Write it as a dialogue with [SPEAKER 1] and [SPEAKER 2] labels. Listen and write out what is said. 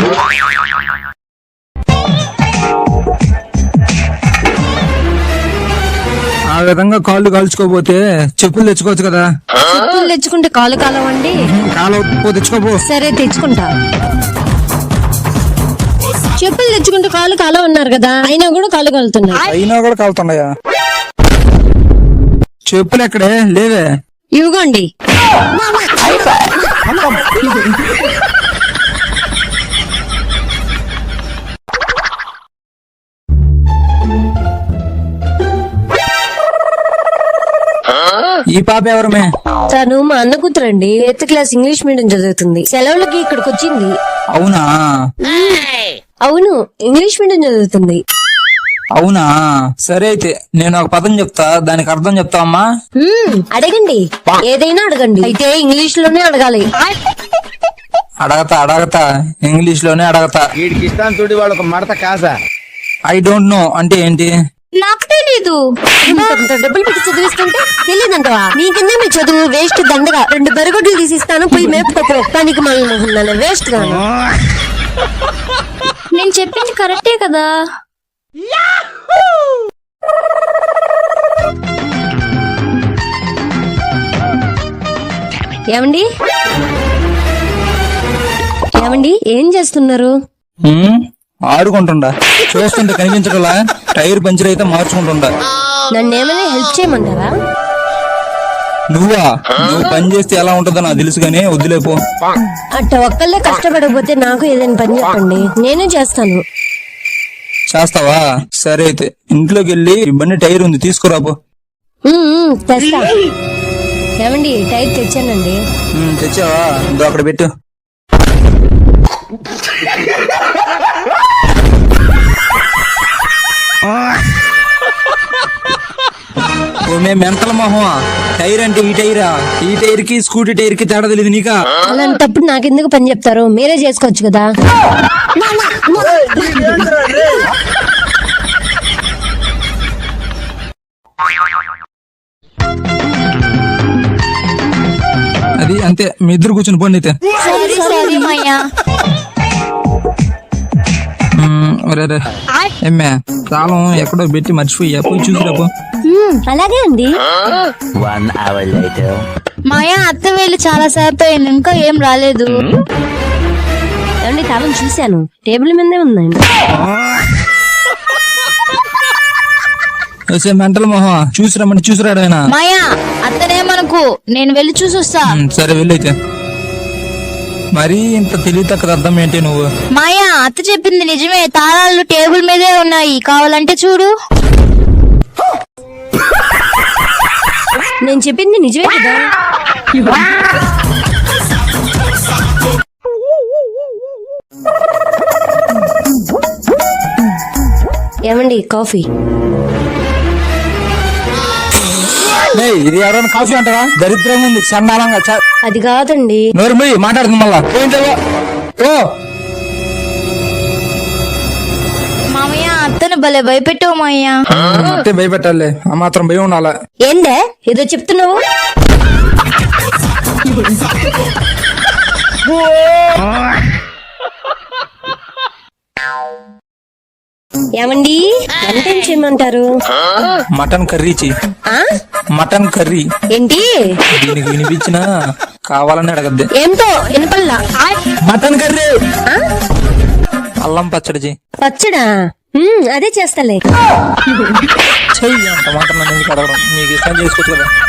[SPEAKER 1] ఆ విధంగా కాళ్ళు కాల్చుకోపోతే చెప్పులు తెచ్చుకోవచ్చు కదా.
[SPEAKER 2] చెప్పులు తెచ్చుకుంటే కాలు కాలవండి.
[SPEAKER 1] కాలపో తెచ్చుకోపో.
[SPEAKER 2] సరే తెచ్చుకుంటా. చెప్పులు తెచ్చుకుంటే కాలు కాలవన్నారు కదా, అయినా కూడా కాలు కాలుతున్నాయి.
[SPEAKER 1] అయినా కూడా కాలుతున్నాయా? చెప్పులు ఎక్కడే లేవే.
[SPEAKER 2] ఇవ్వండి.
[SPEAKER 1] ఈ పాప ఎవరమే?
[SPEAKER 2] తను మా అన్న కూతురండి. 8th క్లాస్ ఇంగ్లీష్ మీడియం చదువుతుంది. సెలవులకి ఇక్కడికి వచ్చింది.
[SPEAKER 1] అవునా?
[SPEAKER 2] అవును, ఇంగ్లీష్ మీడియం చదువుతుంది.
[SPEAKER 1] అవునా? సరే అయితే నేను ఒక పదం చెప్తా, దానికి అర్థం చెప్తావమ్మా?
[SPEAKER 2] అడగండి, ఏదైనా అడగండి. అయితే ఇంగ్లీష్ లోనే అడగాలి.
[SPEAKER 1] అడగతా ఇంగ్లీష్ లోనే అడగతా.
[SPEAKER 3] వీడికి ఇస్తాను చూడు, వాళ్ళకు మడత కాసా.
[SPEAKER 1] ఐ డోంట్ నో అంటే ఏంటి?
[SPEAKER 2] నాకు తెలీదు. డబ్బులు పెట్టి చదివిస్తుంటే తెలియదంటవా? నీకిందే మీ చదువు వేస్ట్ దండగా. 2 బరిగొడ్లు తీసిస్తాను, పోయి మేపుకోపో. పనికి మళ్ళీ వేస్ట్ గా. నేను చెప్పింది కరెక్టే కదా. ఏమండి ఏమండి ఏం చేస్తున్నారు?
[SPEAKER 1] ఆడుకుంటుండా. చూస్తుంటే కనిపించగల టైర్ పంచర్ అయితే మార్చుకుంటుండా.
[SPEAKER 2] నన్నేమైనా హెల్ప్ చేయమంటారా?
[SPEAKER 1] నువ్వు పని చేస్తే ఎలా ఉంటుందో నాకు తెలుసు గానీ వద్దులేపో.
[SPEAKER 2] అట్ట ఒక్కళ్ళే కష్టపడకపోతే నాకు ఏదైనా పని చెప్పండి, నేనే చేస్తాను.
[SPEAKER 1] చేస్తావా? సరే అయితే ఇంట్లోకి వెళ్ళి బండి టైర్ ఉంది తీసుకురాపో.
[SPEAKER 2] తెస్తా. ఏమండి టైర్ తెచ్చానండి.
[SPEAKER 1] తెచ్చావా? ఇందో అక్కడ పెట్టు. మెంటల్ మొహం. టైర్ అంటే ఈ టైరా? ఈ టైర్ కి స్కూటీ టైర్ కి తేడా తెలియదు నీకా?
[SPEAKER 2] అలాంటప్పుడు నాకెందుకు పని చెప్తారు? మీరే చేసుకోవచ్చు కదా.
[SPEAKER 1] అది అంతే, మీ ఇద్దరు కూర్చుని పోండి అయితే. ఏమ్మే తాళం ఎక్కడో పెట్టి మర్చిపోయా, పోయి చూసిరాపో.
[SPEAKER 2] అలాగే అండి.
[SPEAKER 4] మాయా అత్త వేలు చాలా సేపు అయింది, ఇంకా ఏం రాలేదు.
[SPEAKER 2] ఏమండి తాళం చూశాను, టేబుల్ మీదే ఉందండి.
[SPEAKER 1] మెంటల్ మొహం. చూసిరామంటే చూసిరాడైనా.
[SPEAKER 4] మాయా అత్తనేమనుకు, నేను వెళ్ళి చూసొస్తా.
[SPEAKER 1] సరే వెళ్ళైతే. మరీ ఇంత తెలియతక్కద అర్థం ఏంటి నువ్వు?
[SPEAKER 4] మాయా అత్త చెప్పింది నిజమే, తాళాలు టేబుల్ మీదే ఉన్నాయి, కావాలంటే చూడు.
[SPEAKER 2] నేను చెప్పింది నిజమే కదా. ఏమండి కాఫీ?
[SPEAKER 1] ఇది ఎవరైనా కాఫీ అంటారా? దరిద్రంగా ఉంది, చండాలంగా.
[SPEAKER 2] అది కాదండి.
[SPEAKER 1] నోరు పోయి మాట్లాడుతుంది మళ్ళా. ఓ
[SPEAKER 4] మామయ్య అత్తను భలే భయపెట్టావు మాయ్యా.
[SPEAKER 1] అంటే భయపెట్టాలి, ఆ మాత్రం భయం ఉండాలా?
[SPEAKER 2] ఏందే ఏదో చెప్తున్నావు? ఏమండి వంట ఏం చేయమంటారు?
[SPEAKER 1] మటన్ కర్రీ చెయ్యి. మటన్ కర్రీ
[SPEAKER 2] ఏంటి?
[SPEAKER 1] దీనికి వినిపించినా కావాలని అడగద్దే.
[SPEAKER 2] ఏంటో వినపల్లా.
[SPEAKER 1] Mutton curry. అల్లం పచ్చడి చెయ్యి.
[SPEAKER 2] పచ్చడా? అదే చేస్తాలే.
[SPEAKER 1] చెయ్యి. అంత మాత్రం ఎందుకు అడగడం? నీకు ఇష్టం చేసుకోవచ్చు కదా.